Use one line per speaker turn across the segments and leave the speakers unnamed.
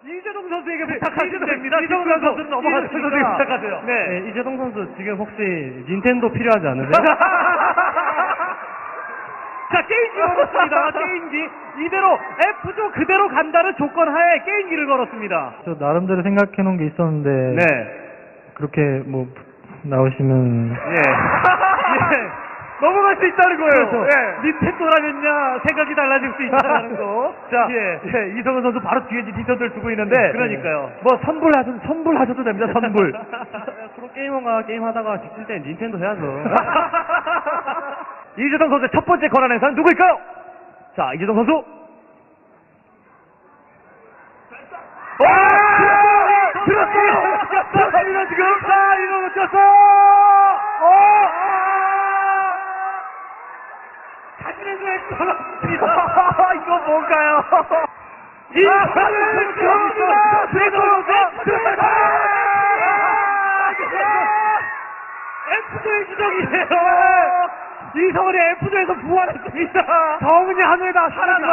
이재동 선수에게 부탁하시면 됩니다. 이재동 선수는 넘어가시니까 부탁하세요.
네, 이재동 선수 지금 혹시 닌텐도 필요하지 않으세요?
자, 게임기 걸었습니다. 게임기. 이대로 F조 그대로 간다는 조건 하에 게임기를 걸었습니다.
저 나름대로 생각해 놓은 게 있었는데
네.
그렇게 뭐 나오시면
예. 예. 넘어갈 수 있다는 거예요.
그렇죠.
예. 닌텐도라면야 생각이 달라질 수 있다는 거. 자,
예.
예. 이성은 선수 바로 뒤에 닌텐도를 두고 있는데. 그러니까요. 뭐 선불하셔도 됩니다. 선불.
프로게이머가 게임하다가 지칠 때 닌텐도 해야죠.
이재동 선수의 첫 번째 권한 행사는 누구일까요? 자, 이재동 선수. 와! 들었어요! 들었습니다, 지금! 자, 이거 놓쳤어! 자신의 눈에 떨어집니다. 이거 뭔가요? 이성은 들어옵니다! 들어옵니다! F조의 기적이에요! 이성은이 F조에서 부활했습니다. 정은이 하늘에다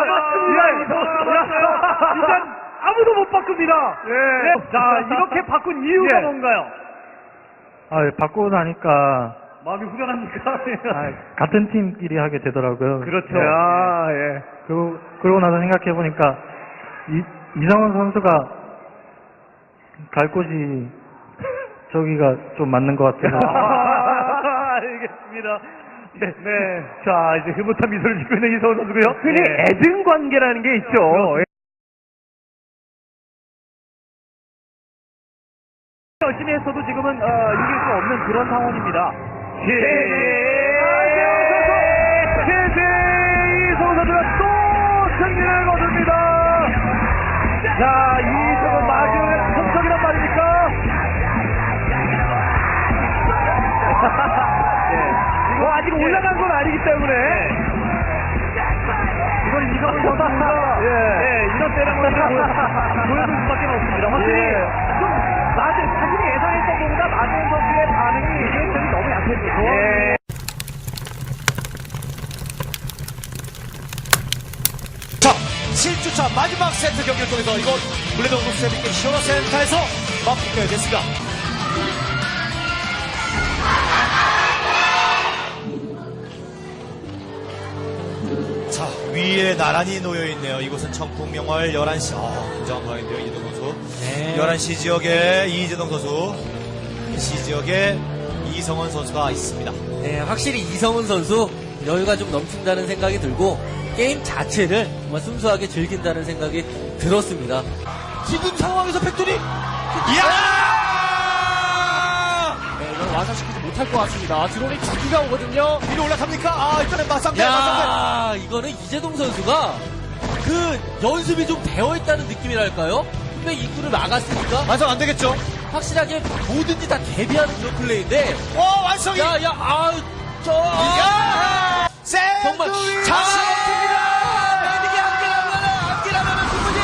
살아남았습니다. 일단 아무도 못 바꿉니다. 네. 자, 이렇게 바꾼 이유가 뭔가요?
바꾸고 나니까
마음이 후련합니까?
같은 팀끼리 하게 되더라고요.
그렇죠.
네.
예.
그러고 나서 생각해 보니까 이성훈 선수가 갈 곳이 저기가 좀 맞는 것 같아서.
알겠습니다. 네. 자, 이제 흐뭇한 미소를 짓고 있는 이성훈 선수고요. 흔히 애증 관계라는 게 있죠. 열심히 했어도 지금은 이길 수 없는 그런 상황입니다. 이성훈 선수가 또 승리를 거둡니다. 자, 이성훈 마지막에 성적이란 말입니까? 아직 올라간 건 아니기 때문에 이건 이성훈 선수가 이런 때랑을 보여줄 수밖에 없습니다. 확실히 좀 자신이 예상했던 것보다 마지막 선수의 반응이 굉장히 너무 약했죠.
자, 7주차 마지막 세트 경기를 통해서 이곳 블레드 온도 세비게 시원화센터에서 맞붙게 됐습니다. 자, 위에 나란히 놓여있네요. 이곳은 청풍명월 11시. 굉장한 방인데요, 이재동 선수.
네.
11시 지역에 이재동 선수, C 지역에 이성원 선수가 있습니다.
네, 확실히 이성훈 선수 여유가 좀 넘친다는 생각이 들고 게임 자체를 정말 순수하게 즐긴다는 생각이 들었습니다.
지금 상황에서 팩토리! 이야!
네, 이건 완성시키지 못할 것 같습니다. 드론이 두 기가 오거든요.
위로 올라갑니까? 일단은 맞상대.
야, 이거는 이재동 선수가 그 연습이 좀 되어 있다는 느낌이랄까요? 근데 입구를 막았으니까
완성 안 되겠죠?
확실하게 뭐든지 다 대비하는 그런 플레이인데.
완성이!
야, 정말
잘했습니다!
이게 안기라면은 충분히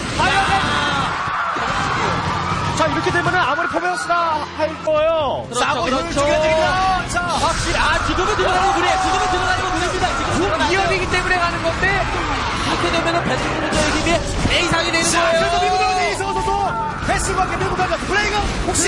자, 이렇게 되면은 아무리 포메어스나 할 거예요.
싸고 힘을 죽여드립니다. 자,
확실히 지금은 들어가는 거 그래. 지금은 들어가는 거 그럽니다. 지금
이연이기 때문에 가는 건데.
이렇게 되면은 배트브루저의 힘이 배 이상이 되는
자,
거예요.
그래서 밀고 들어오는 이성호 선수 패스와 함께 밀고 가자. 블레이그 혹시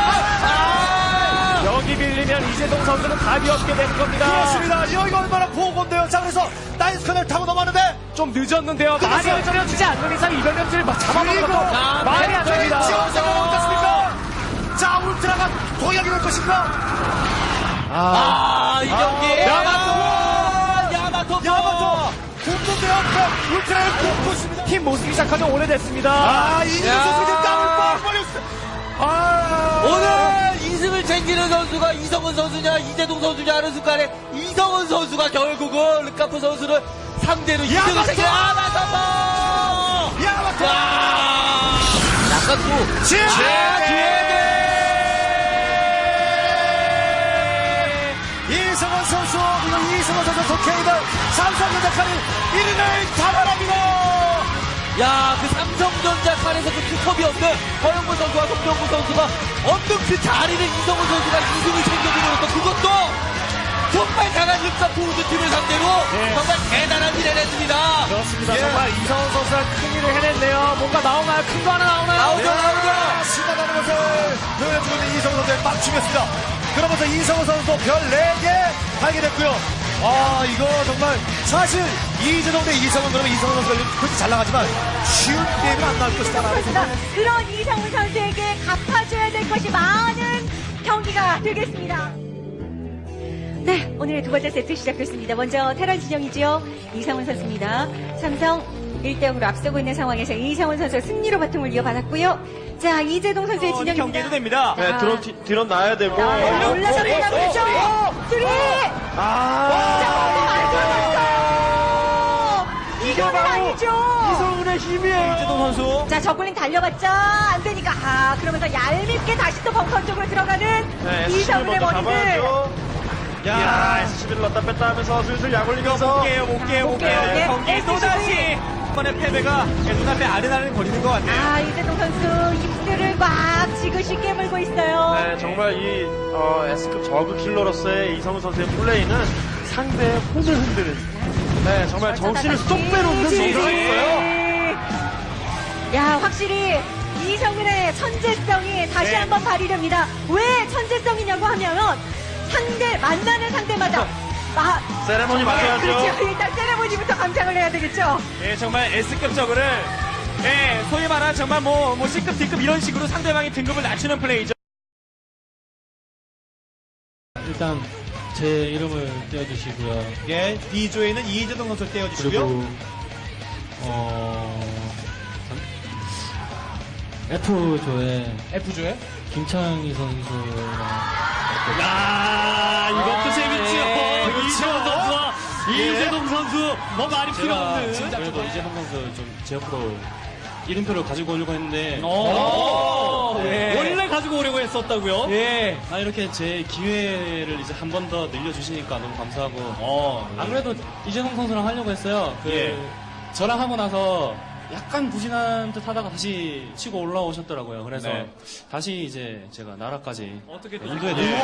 여기 밀리면 이재동 선수는 답이 없게 되는 겁니다.
그렇습니다. 여기가 얼마나 보건데요. 자, 그래서 나이스컨을 타고 넘어왔는데
좀 늦었는데요. 많이
끝났어요.
얹어지지 않는 이상 이변점을 잡아먹는
그리고
것도 말이 안 됩니다.
지원자가 어떻습니까? 자, 울트라가 도약이 될 것인가?
이 경기. 야마토.
공동대 앞에 울트라를 꼽고 있습니다.
팀 모습이 시작한 지 오래됐습니다.
이재동 선수가 땀을 빡 벌렸어.
오늘 2승을 챙기는 선수가 이성훈 선수냐 이재동 선수냐 하는 순간에 이성훈 선수가 결국은 르카프 선수를 상대로 2승을 챙겨
야마토!
약간 또
이성원 선수, 그리고 이성원 선수 도케이드 삼성전자 칸이 1위를 잡아냅니다.
그 삼성전자 칸에서 그 투톱이 없는 허영무 선수와 송병구 선수가 없는 그 자리를 이성훈 선수가 2승을 챙겨주는 것도 그것도 정말 정말 강한 르카프 우주팀을 상대로 정말 대단한 일을 했습니다.
그렇습니다.
예.
정말 이성훈 선수가 큰 일을 해냈네요. 뭔가 나오나요? 큰 거 하나 나오나요?
나오죠. 신나가는 것을 보여주고 있는 이성훈 선수의 맞춤이었습니다. 그러면서 이성훈 선수도 별 4개 달게 됐고요. 아, 이거 정말 사실 이재동 대 이성훈 그러면 이성훈 선수가 그렇게 잘 나가지만 쉬운 게임은 안 나올 것이다라고 생각합니다.
그런 이성훈 선수에게 갚아줘야 될 것이 많은 경기가 되겠습니다. 네, 오늘의 두 번째 세트 시작됐습니다. 먼저 테란 진영이죠. 이성훈 선수입니다. 삼성 1대0으로 앞서고 있는 상황에서 이성훈 선수 승리로 바통을 이어받았고요. 자, 이재동 선수의 진영입니다.
경기도 됩니다.
네,
드론 놔야 되고.
올라갑니다. 그렇죠. 쓰리! 이거는 아니죠.
이성훈의 힘이에요. 이재동 선수.
자, 저글링 달려봤자 안 되니까 그러면서 얄밉게 다시 또 벙커 쪽으로 들어가는 이성훈의 머리를
야, SCB를 넣었다 뺐다 하면서 슬슬 약 올리면서. 못 깨요.
네,
경기
SCB.
또다시. 이번에 패배가 눈앞에 아른아른 거리는 것 같네요.
이재동 선수 입술을 막 지그시 깨물고 있어요.
네, 정말 이 S급 저그 킬러로서의 이성훈 선수의 플레이는 상대의 홈을 흔드는. 네, 정말 정신을 쏙 빼놓는 선수였어요.
야, 확실히 이성훈의 천재성이 다시 한번 발휘됩니다. 왜 천재성이냐고 하면 만나는 상대마다
세레모니 맞춰야죠.
그렇죠. 일단 세레모니부터 감상을 해야 되겠죠.
예, 정말 S급 저그를 소위 말하는 정말 뭐 C급, D급 이런 식으로 상대방의 등급을 낮추는 플레이죠.
일단 제 이름을 떼어주시고요.
예, D조에는 이재동 선수를 떼어주시고요.
그리고 F조에
F조에
김창희 선수랑
이것도 재밌죠.
그렇죠.
이재동 선수와 이재동 선수 뭐 말이 필요
제가
없는.
그래도 이재동 선수 좀 제 옆으로 1인표를 가지고 오려고 했는데
원래 가지고 오려고 했었다고요?
예. 이렇게 제 기회를 이제 한 번 더 늘려주시니까 너무 감사하고 안 그래도 이재동 선수랑 하려고 했어요. 저랑 하고 나서 약간 부진한 듯 하다가 다시 치고 올라오셨더라고요. 그래서 다시 이제 제가 나라까지
어떻게
인도에 내려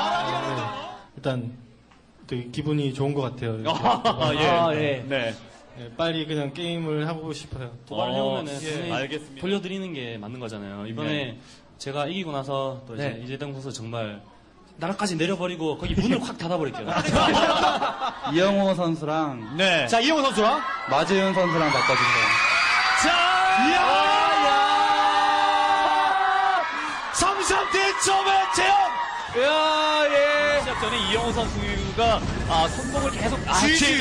일단 되게 기분이 좋은 것 같아요.
네.
예, 빨리 그냥 게임을 하고 싶어요. 도발을 해오면은 당연히
알겠습니다.
돌려드리는 게 맞는 거잖아요. 이번에 제가 이기고 나서 또 이제 이재동 선수 정말 나라까지 내려버리고 거기 문을 확 닫아버릴게요.
이영호 선수랑
네. 자, 이영호 선수랑.
마재윤 선수랑 바꿔주세요.
삼성 대점의 재현!
시작 전에 이영호 선수가 성공을 계속
지지!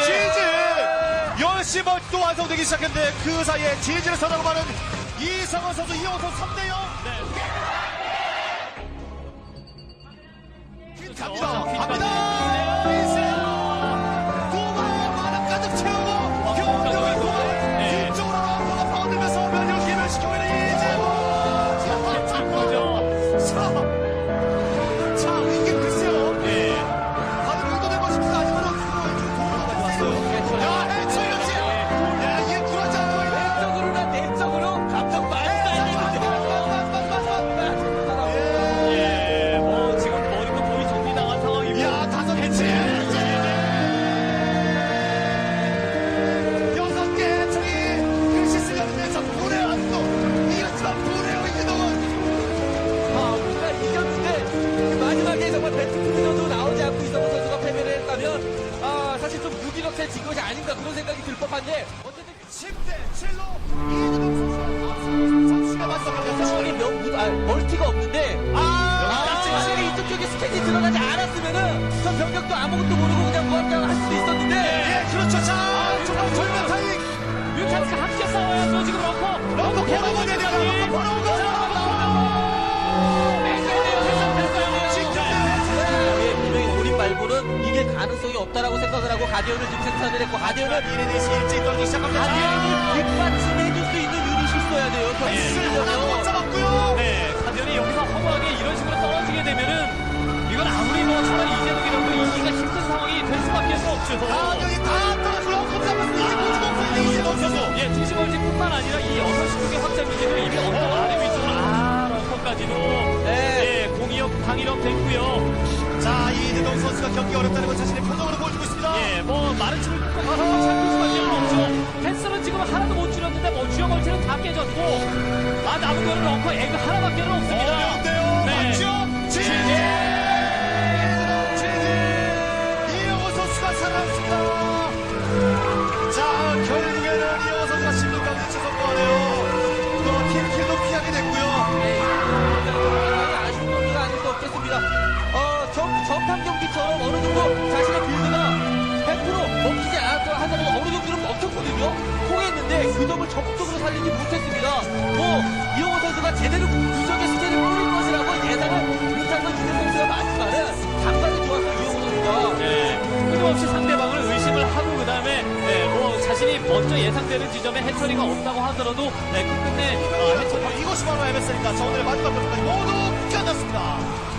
열심히 또 완성되기 시작했는데 그 사이에 지지를 선하고 많은 이성원 선수, 이영호 선수 3대0. 갑니다! 두 번의 마당 가득 채우고 경력을 도에 뒤쪽으로 런커가 파고들면서 면역 기멸시키고 있는 이재호! 자, 이게 글쎄요. 다들 의도된 것입니다. 아직은 어떻게 야, 해철역시! 야, 이게 굴하지 않고 있네.
내적으로 감정 많이
지금 머리가 거의 정리당한 상황이고.
야, 5개치! 6개 해철이 글씨 쓰려면서 불해왔고 이겼지만 불해요, 이재동은.
우리가 이겼는데 마지막에 정말 배트크루저도 나오지 않고 이성훈 선수가 패배를 했다면 사실 좀 무기력해진 것이 아닌가 그런 생각이 들 법한데 어쨌든
10대 7로 이재동 선수가 맞서갑니다.
상황에 멀티가 없는데 확실히 이쪽 쪽에 스캔이 들어가지 않았으면은 저 병력도 아무것도 모르고 그냥 무한장 할 수도 있었는데
예, 그렇죠. 자, 정말 절묘한 타이밍.
뮤탄스가 함께 싸워야죠. 지금 런커.
런커 걸어오게 되면 런커 걸어오고.
분명히 고립 말고는 이길 가능성이 없다라고 생각을 하고 가디언을 지금 생산을 했고 가디언을
이레디스 일찍 떨기 시작합니다.
가디언을 뒷받침해줄 수 있는 유닛이 있어야 돼요.
못 잡았고요.
네, 가디언이 여기서 허무하게 이런 식으로 떨어지게 되면은 이건 아무리 뭐 차라리 이재동이라도 이기기가 힘든 상황이 될 수밖에 없죠.
가격이 다 떨어지고 런커 잡았습니다. 이제 보지도 없어요. 이재동 선수.
예, 투시벌지뿐만 아니라 이 6시 쪽의 확장 기지도 이미 언덕 아래 위쪽으로 런커까지도 공이업, 방위력 됐고요.
자, 이재동 선수가 경기 어렵다는 건 자신의 표정으로 보여주고 있습니다.
예, 뭐 마른 춤을 꺾어서 참을 수밖에 없죠. 펜스는 지금 하나도 못 줄였는데 뭐 주요 멀티는 다 깨졌고 남은 거는 런커 에그 하나밖에는 없습니다.
어려운데요.
네.
맞죠? 지지! 이영호 선수가 살아났습니다. 자, 결국에는 이영호 선수가 16강에 성공하네요. 또 팀킬도 피하게 됐고요.
네, 상당히 아쉬운 경기가 아닐 수 없겠습니다. 전판 경기처럼 어느 정도 자신의 빌드가 100% 먹히지 않았다 하더라도 어느 정도는 먹혔거든요. 통했는데 그 점을 적극적으로 살리지 못했습니다. 이영호 선수가 제대로 구석의 스킬을 뿌릴 것이라고 예상을 못한 건 이대 선수가 맞지만은 감각이 좋았어요, 이영호 선수가.
네, 끊임없이 상대방을 의심을 하고 그다음에 뭐 자신이 먼저 예상되는 지점에 해처리가 없다고 하더라도 끝끝내 해처리
이것이 바로 MS입니다. 자, 오늘의 마지막 경기까지 모두 끝났습니다.